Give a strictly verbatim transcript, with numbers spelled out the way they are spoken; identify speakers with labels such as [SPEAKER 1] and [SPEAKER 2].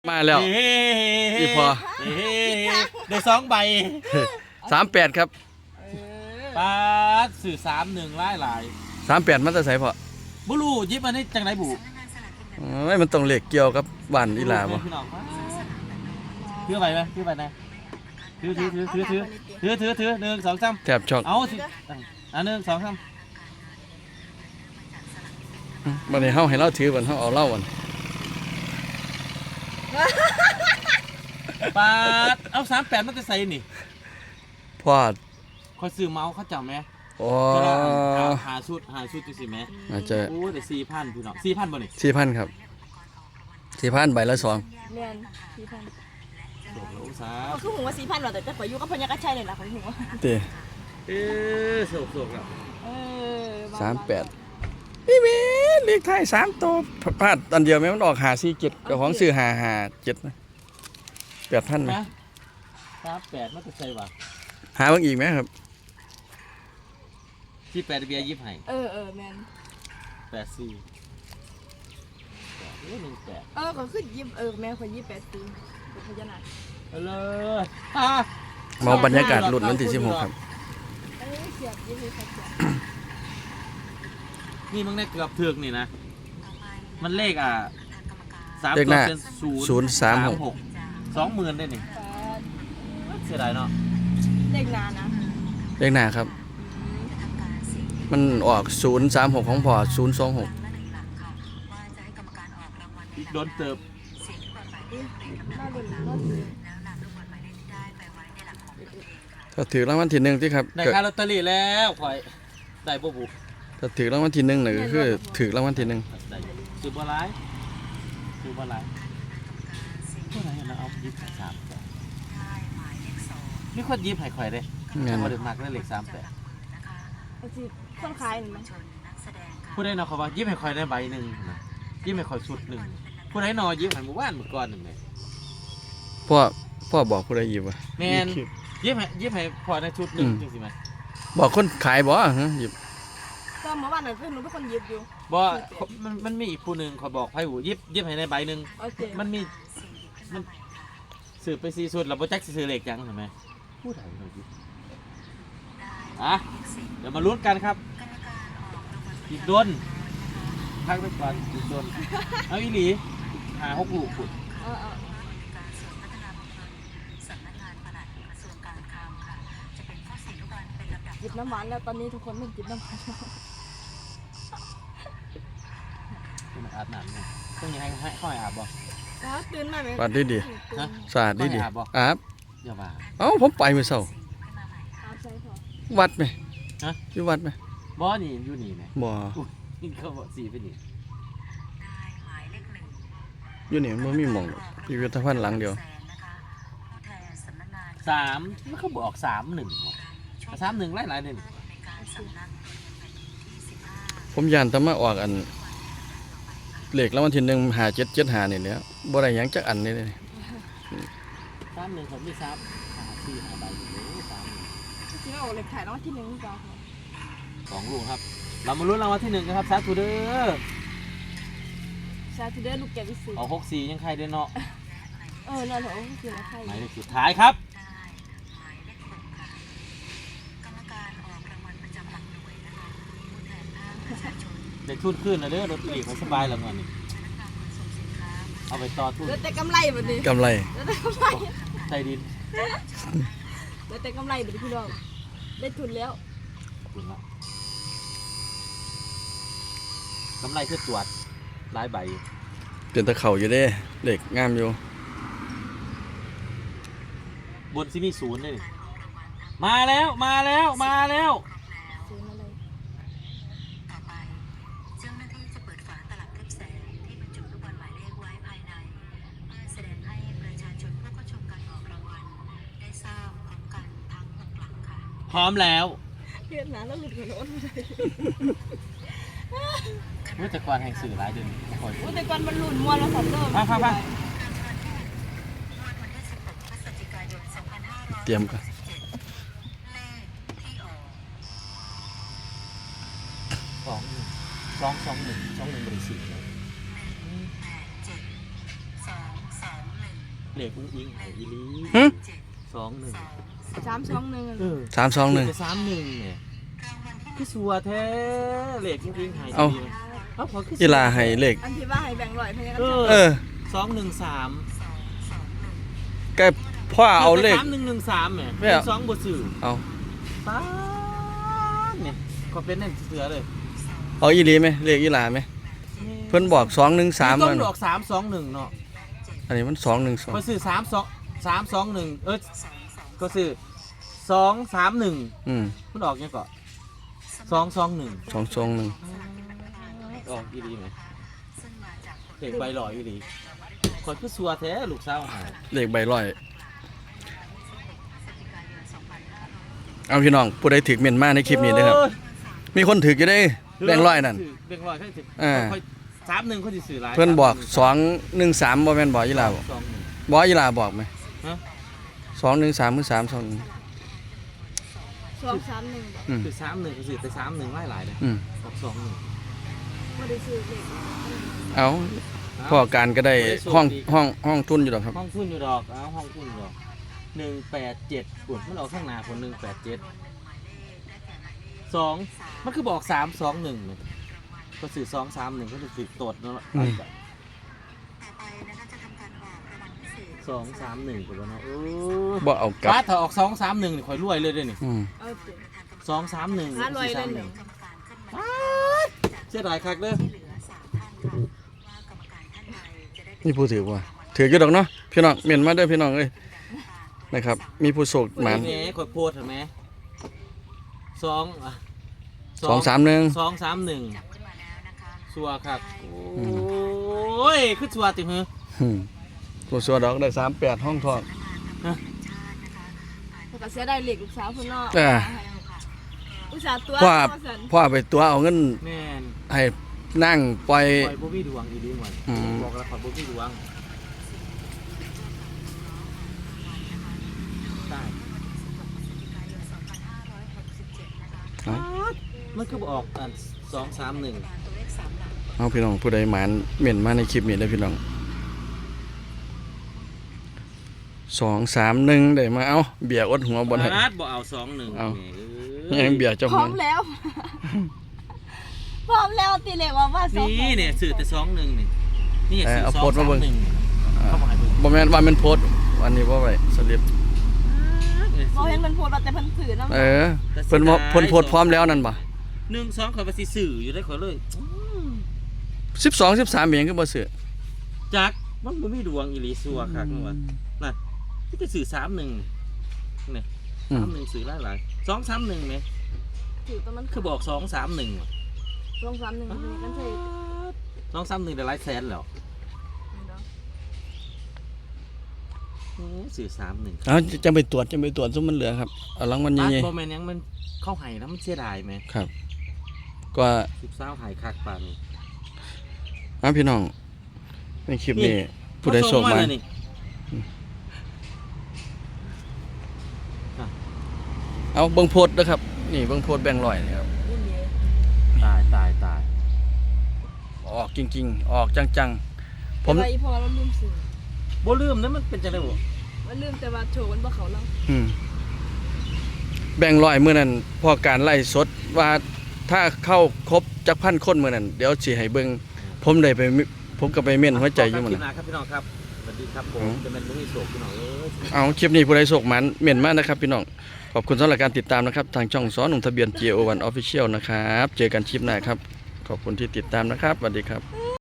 [SPEAKER 1] มาแล้วอีพอ
[SPEAKER 2] ได้สองใบ
[SPEAKER 1] สามแปดครับ
[SPEAKER 2] ปาดสื่อสามหนึ่งไล่หลาย
[SPEAKER 1] สามแปดมันจะใส่พอ
[SPEAKER 2] บุรูยิบมาได้จังไรบุ
[SPEAKER 1] ไม่มันต้องเหล็กเกี่ยวกับบ้านอีหลาบ่
[SPEAKER 2] ถือไปไหมถือไปไหนถือถือถือถือถือถือถือถือหนึ่งสองสาม
[SPEAKER 1] แถบช็อก
[SPEAKER 2] เอาสิอันหนึ่งสองสาม
[SPEAKER 1] วันนี้เฮาให้เราถือวันเฮาเอาเล่าวัน
[SPEAKER 2] ปาดเอาสามแปดมันจะใส่นี่
[SPEAKER 1] พอด
[SPEAKER 2] คอยซื้อเมาส์เขาจำไหม
[SPEAKER 1] อ๋อ
[SPEAKER 2] หาชุดหาชุดจะสิไหม
[SPEAKER 1] อาจจะ
[SPEAKER 2] โอ้แต่สี่พันพี่น้องสี่พันบ่นี่
[SPEAKER 1] สี่พันครับสี่พันใบละสอง
[SPEAKER 3] เรียนสี่พัน
[SPEAKER 2] โอ้โหสา
[SPEAKER 3] คือหัวสี่พันหรอแต่จะขออยู่กับพญากระชัยเลยนะของหัว
[SPEAKER 1] เต้
[SPEAKER 2] เออโศกโศกแล้ว
[SPEAKER 3] เออ
[SPEAKER 1] สามแปดพี่เมย์เลขไทยสามตัวพลาดอันเดียวไหมมันออกหาสี่เจ็ดกับของซื้อหาหาเจ็ดนะแปดพันไหม
[SPEAKER 2] สามแปดมันจะใส่ว่ะ
[SPEAKER 1] หาเพิ่งอีกไหมครับ
[SPEAKER 2] ที่แปดเบียร์ยิบให้
[SPEAKER 3] เออเออแมน
[SPEAKER 2] แปดสี่เออหนึ่งแปด
[SPEAKER 3] เออเขาขึ้นยิบเออแม่คนยิบแปดสี่เป็นพญานาค
[SPEAKER 2] เอาเลย
[SPEAKER 1] มองบรรยากาศหลุดวันที่สิบหกครับ
[SPEAKER 3] เออเสียบยิบเลยครับ
[SPEAKER 2] นี่มึงได้เกือบถึกนี่นะมันเลขอ่ะสาม
[SPEAKER 1] เลขหน้าศูนย์สามหก
[SPEAKER 2] สองหมื่นได้นี่เสียดายเนาะ
[SPEAKER 3] เลขนานะ
[SPEAKER 1] เลขหน้าครับมันออกศูนย์สามหกของพอศูนย์สองหก
[SPEAKER 2] อีกโดนเติบ
[SPEAKER 1] ถ้าถือรางวัลที่หนึ่งที่ครับ
[SPEAKER 2] ได้ค่าลอตเตอรี่แล้วคอยได้ปุ๊บ
[SPEAKER 1] ถ้าถือรางวัลที่หนึ่งเนี่ยก็คือถือรางวัลที่หนึ่ง
[SPEAKER 2] ซื้อบัวลายซื้อบัวลายเท่าไหร่นะเอายิบสามนี่คนยิบไข่ไข่เลยมาเดือดมากเลยเหล็กสามแปด
[SPEAKER 3] คนขายหรือมั้ง
[SPEAKER 2] ผู้ใดนอเขาว่ายิบไข่ไข่ได้ใบหนึ่งยิบไข่ไข่ชุดหนึ่งผู้ใดนอยิบไข่หมู่บ้านหมู่ก้อนหนึ่งเลย
[SPEAKER 1] พ่อพ่อบอกผู้ใดยิบวะ
[SPEAKER 2] แมนยิบไข่ยิบไข่พอในชุดหนึ่งจริงไหม
[SPEAKER 1] บอกคนขายบ่ฮะยิบ
[SPEAKER 3] ก็หมู่บ้านนั่นคือหนูเป็นคนยิบอยู่
[SPEAKER 2] บ่มันมันมีอีกผู้หนึ่งเขาบอกให้หูยิบยิบให้ในใบหนึ่งมันมีมันสืบไปซีสุดเราโปรเจกต์ซื้อเหล็กยังเห็นไหมพูดอะไรหน่อยยิบอ่ะเดี๋ยวมาลุ้นกันครับอีกโดนพักไปก่อนอีกโดนเอาอีหลีหาหกลูกขุด
[SPEAKER 3] หยิบน้ำหวานแล้วตอนนี้ทุกคนไม่หยิบน้ำหวาน
[SPEAKER 2] ต้องอาบน้ำเนี่ยต้องยังให้ให้ค่อยอาบบ่
[SPEAKER 3] ตื่นมาไหม
[SPEAKER 1] ปาดดีดีสะอาดดีดีอาบ
[SPEAKER 2] อย่าบ้า
[SPEAKER 1] เอ้าผมไปเมื่อเช้าวัดไหม
[SPEAKER 2] ฮะ
[SPEAKER 1] อยู่วัดไหม
[SPEAKER 2] บ่นี่อยู่นี่ไหม
[SPEAKER 1] บ่
[SPEAKER 2] นี่เขาบอกสีไปนี่
[SPEAKER 1] อยู่นี่มันมีหม่องพิพิธภัณฑ์หลังเดียว
[SPEAKER 2] สามมันเขาบอกสามหนึ่งสามหนึ่งหลายหลายหนึ่ง
[SPEAKER 1] ผมยานทำมาออกอันเหล็กแล้ววันที่หนึ่งหาเจ็ดเจ็ดหาเนี่ยเนี่ยบ่ได้ยังจักอันนี่เลย
[SPEAKER 2] สามหนึ่งผมมีสามหาสี่หาใบอยู่เลยสาม
[SPEAKER 3] จริงๆเอาเหล็กถ่ายรางวัลที่หนึ่งจ้า
[SPEAKER 2] สองลูกครับเรามาลุ้นรางวัลที่หนึ่งกันครับซาทูเดอร์
[SPEAKER 3] ซาทูเดอร์ลูกแกวิสุ
[SPEAKER 2] เอาหกสี่ยังใครด้วยเนาะ
[SPEAKER 3] เออเนาะเหรอคืออะไรใคร
[SPEAKER 2] หมายเลขสุดท้ายครับเด็กทุนขึ้นนะเด้อรถตีเขาสบายแล้วมันเอาไปต่อทุน
[SPEAKER 3] เหลือแต่กำไรแบบนี้
[SPEAKER 1] กำไร
[SPEAKER 3] เหลือแต่กำไร
[SPEAKER 2] ใจดิน
[SPEAKER 3] เหลือแต่กำไรแบบพี่น้องได้ทุนแล้ว
[SPEAKER 2] กำไรคือตรวจลายใบ
[SPEAKER 1] เปลี่ยนตะเข่าอยู่เด้เหล็กงามอยู่
[SPEAKER 2] บนซิมีศูนย์เลยมาแล้วมาแล้วมาแล้วพร้อมแล้ว
[SPEAKER 3] เพี้ยนหนาแล้วหลุดหัวโน้ตเลย
[SPEAKER 2] ว่าแต่ก่อนแห่งสื่อหลายเดือน
[SPEAKER 3] ว่าแต่ก่อนมันหลุดม้วนแล้วสัตว์เริ่ม
[SPEAKER 2] ฟังฟังฟัง
[SPEAKER 1] เตรียมกัน
[SPEAKER 2] สองสองสองหนึ่งสองหนึ่งบริสุทธิ์เหล็กอุ้งอิงไหอีหลี
[SPEAKER 1] หึ
[SPEAKER 2] สองหนึ่ง
[SPEAKER 3] สามสองหนึ่ง
[SPEAKER 2] เออ
[SPEAKER 1] สามสองหนึ่ง
[SPEAKER 2] สามหนึ่งเนี่ยคือสัวแท้เหล็กอุ้งอิงไห
[SPEAKER 1] เอา
[SPEAKER 2] ดีเอาขอคือ
[SPEAKER 1] อีลาให้เลข
[SPEAKER 3] อันที่ว่าให้แบ่งร้อยพนักงาน
[SPEAKER 2] เออ
[SPEAKER 1] เออ
[SPEAKER 2] สองหนึ่งสาม
[SPEAKER 1] แกพ่อเอาเลข
[SPEAKER 2] สามหนึ่งหนึ่งสามเนี่ย
[SPEAKER 1] ไม่เอา
[SPEAKER 2] สองบทสื่อ
[SPEAKER 1] เอา
[SPEAKER 2] ป้าดเนี่ยก็เป็นนั่นเสือเลย
[SPEAKER 1] เอาอีหลีไหมเลขอีหลาไหมเพิ่นบอกสองหนึ่งสาม
[SPEAKER 2] ต้
[SPEAKER 1] มั
[SPEAKER 2] อง
[SPEAKER 1] น
[SPEAKER 2] ดอกสามสองหนึ่งเนาะ
[SPEAKER 1] อันนี้มันสองหนึ่งสอง
[SPEAKER 2] ก็สื่อสามสองสามสองหนึ่งเออก็สื่อสองสามหนึ่ง
[SPEAKER 1] อืม
[SPEAKER 2] มันออกยังก่อนสองสองหนึ่ง
[SPEAKER 1] สองสองหนึ่ง
[SPEAKER 2] ออกอีหลีไหมเด็กใบหล่ออีหลีคอยคือสัวแท้ลูกสาวหาย
[SPEAKER 1] เลขใบร้อยเอาพี่น้องผู้ใดถือเมียนมาในคลิปนี้นะครับ มีคนถืออยู่ได้แบ่งร้อยนั่น
[SPEAKER 2] แบ่งร้อยใช่สิ
[SPEAKER 1] อ่า
[SPEAKER 2] ค่อยสามหนึ่งเขาจะสื่อหลาย
[SPEAKER 1] เพิ่นบอกสองหนึ่งสามบ่แม่นบอกอีหลาบอก
[SPEAKER 2] สองหนึ่ง
[SPEAKER 1] บอกอีหลาบอกไหม
[SPEAKER 2] ฮะ
[SPEAKER 1] สองหนึ่งสามหรือสามสองหนึ่ง
[SPEAKER 3] สองสามหนึ่ง
[SPEAKER 1] อืม
[SPEAKER 2] คือสามหนึ่งเขาสื่อแต่สามหนึ่งหลายหลายเลย
[SPEAKER 1] อืม
[SPEAKER 2] ออกสองหนึ่ง
[SPEAKER 3] ไม่ได้ซื้อเลข
[SPEAKER 1] เอาพ่อการก็ได้ห้องห้องห้องทุนอยู่หรอกครับ
[SPEAKER 2] ห้องทุนอยู่ดอกเอาห้องทุนอยู่ดอกหนึ่งแปดเจ็ดปุ่นมันออกข้างหน้าคนหนึ่งแปดเจ็ดสองมันคือบอกสามสองหนึ่งเลยก็สื่อสองสามหนึ่งก็จะสื่อตดเนาะ
[SPEAKER 1] อืม
[SPEAKER 2] สองสามหนึ่งก็แล้วเนาะเออ
[SPEAKER 1] บ่เอากลับ
[SPEAKER 2] ป้าถ้าออกสองสามหนึ่งนี่ข่อยรวยเลยเด้วยนี่
[SPEAKER 1] อืม
[SPEAKER 3] เอาเจ็ด
[SPEAKER 2] สองสามหนึ่ง
[SPEAKER 3] ห้าร้อย
[SPEAKER 2] สี่
[SPEAKER 3] เล
[SPEAKER 2] สาม
[SPEAKER 3] ย
[SPEAKER 2] ห
[SPEAKER 3] ห
[SPEAKER 2] นึ่
[SPEAKER 3] นึ่
[SPEAKER 2] ง
[SPEAKER 3] ง
[SPEAKER 2] เสียดายคักเด้อ
[SPEAKER 1] นี่ผู้ถือว่าถืออยู่ดอกเนาะพี่น้องเมียนมาเด้อพี่น้องเอ้ยนะครับ มีผู้โศกหมัน
[SPEAKER 2] แหมข่อยโพดเห็นไหมสองอ่ะ
[SPEAKER 1] สองสามหนึ่ง
[SPEAKER 2] สองสามหนึ่งชัวร์ครับโอ้ยคือชัวร์ติมือ
[SPEAKER 1] อืมตัวสัวดอกได้สามแปดห้องทอง
[SPEAKER 3] แล้วก็เสียได้เหล็กลูกสาวคนนอก
[SPEAKER 1] อ่า
[SPEAKER 3] อุตส่าห์ตัว
[SPEAKER 1] พ่อ
[SPEAKER 3] พ่อสัน
[SPEAKER 1] พ่อไปตัวเอาเงิน
[SPEAKER 2] แม่น
[SPEAKER 1] ให้นั่งปล่อย
[SPEAKER 2] ข่อยบ่มีดวงอีดีหมด
[SPEAKER 1] อืม
[SPEAKER 2] บอกแล้วข่อยบ่มีดวงได้
[SPEAKER 1] เอา
[SPEAKER 2] มันคือบ่ออกอันสองสามหนึ่ง
[SPEAKER 1] เอาพี่น้องผู้ใดหมานเมียนมาในคลิปนี้ได้อพี่น้องสองสามหนึ่งได้มาเอาเบียร์อดหัวบนให้
[SPEAKER 2] อาดบ่เอาสองหนึ่ง
[SPEAKER 1] เอา
[SPEAKER 2] แหม
[SPEAKER 1] ยังเบียร์เจ้า
[SPEAKER 3] พร้
[SPEAKER 1] หั
[SPEAKER 3] อ
[SPEAKER 1] ว
[SPEAKER 3] มแล้ว พร้อมแล้วตีเหล็กว่าว่าสอง
[SPEAKER 2] นี่เนี่ยสื่อแต่สองหนึ่งนี่นี่
[SPEAKER 1] เออ
[SPEAKER 2] สื่อ
[SPEAKER 1] เอา
[SPEAKER 2] สอ
[SPEAKER 1] โพ
[SPEAKER 2] ง
[SPEAKER 1] สต์มา
[SPEAKER 2] สาม
[SPEAKER 1] เบิ่ง
[SPEAKER 2] หนึ่ง
[SPEAKER 1] อ่า
[SPEAKER 2] เข้ามาให้เบิ่ง
[SPEAKER 1] บ่แม่นว่ามันโพสต์วันนี้บ่ไว้สลิป
[SPEAKER 3] เราเห็นมันโพดว่าแต่เพิ่นถือน้ำ
[SPEAKER 1] เออเพิ่นบ่เพิ่นโพสต์พร้อมแล้วนั่นบ่
[SPEAKER 2] หนึ่งสองข่อยว่าสิสื่ออยู่ได้ข่อยเลย
[SPEAKER 1] สิบสอง สิบสามเบียงคือบ่ซื้อ
[SPEAKER 2] จักมันบ่มีดวงอีหลีซัวคักนั่นว่าน่ะที่จะสื่อสามหนึ่งนี่
[SPEAKER 1] อื
[SPEAKER 2] สาม มหนึ่งสื่อหลายหลายสองสามหนึ่งไหม
[SPEAKER 3] ถือตอนมัน
[SPEAKER 2] คือบอกสองสามหนึ่ง
[SPEAKER 3] สองสามหนึ่งมันใช่
[SPEAKER 2] สองสามหนึ่งได้หลายแสนแล้วโอ้สื่อสามหนึ่ง
[SPEAKER 1] เอาจะไปตรวจจะไปตรวจซุมมันเหลือครับเอารางวัล
[SPEAKER 2] ตัด
[SPEAKER 1] ใหญ่
[SPEAKER 2] บอแมนยังมันเข้าไห้แล้วมันเสียดายไหม
[SPEAKER 1] ๆครับ ก็
[SPEAKER 2] สิบสาวไห้คักปานนี้
[SPEAKER 1] เอาพี่น้องในคลิปนี้ผู้ใดโชคมา
[SPEAKER 2] เขส่งเลยนี่
[SPEAKER 1] เอาเบิ่งโพสต์นะครับ นี่เบิ่งโพสต์แบ่งค์ร้อยนี่ครับ
[SPEAKER 3] รุ่นนี้
[SPEAKER 2] ตายตายตาย
[SPEAKER 1] ออกจริงๆ ออกจังๆ ผม
[SPEAKER 3] แต่ว่าอีพอเราลืมซื้อ
[SPEAKER 2] บ่ลืมนะมันเป็นจังได๋บ่
[SPEAKER 3] มันลืมแต่ว่าโชว์มันบ่เขาเรา
[SPEAKER 1] อืมแบ่งค์ร้อยมื้อนั้นพอการไล่สดว่าถ้าเข้าครบจักพันคนมื้อนั้นเดี๋ยวสิให้เบิ่งผมได้ไปมิผมก็ไปเม่นหัวใจอยู่มื้อ
[SPEAKER 2] คลิป
[SPEAKER 1] นั้น
[SPEAKER 2] หน้าครับพี่น้องครับสวัสดีครับผม
[SPEAKER 1] อืม
[SPEAKER 2] จะเป็นบ่มีโศกพี่น้องเอ้ย
[SPEAKER 1] เอาคลิปนี้ผู้ใดโชคมันเม่นมากนะครับพี่น้องขอบคุณสำหรับการติดตามนะครับ ทางช่องสอนหนุ่มทะเบียน จี โอ วัน Official นะครับ เจอกันคลิปหน้าครับ ขอบคุณที่ติดตามนะครับสวัสดีครับ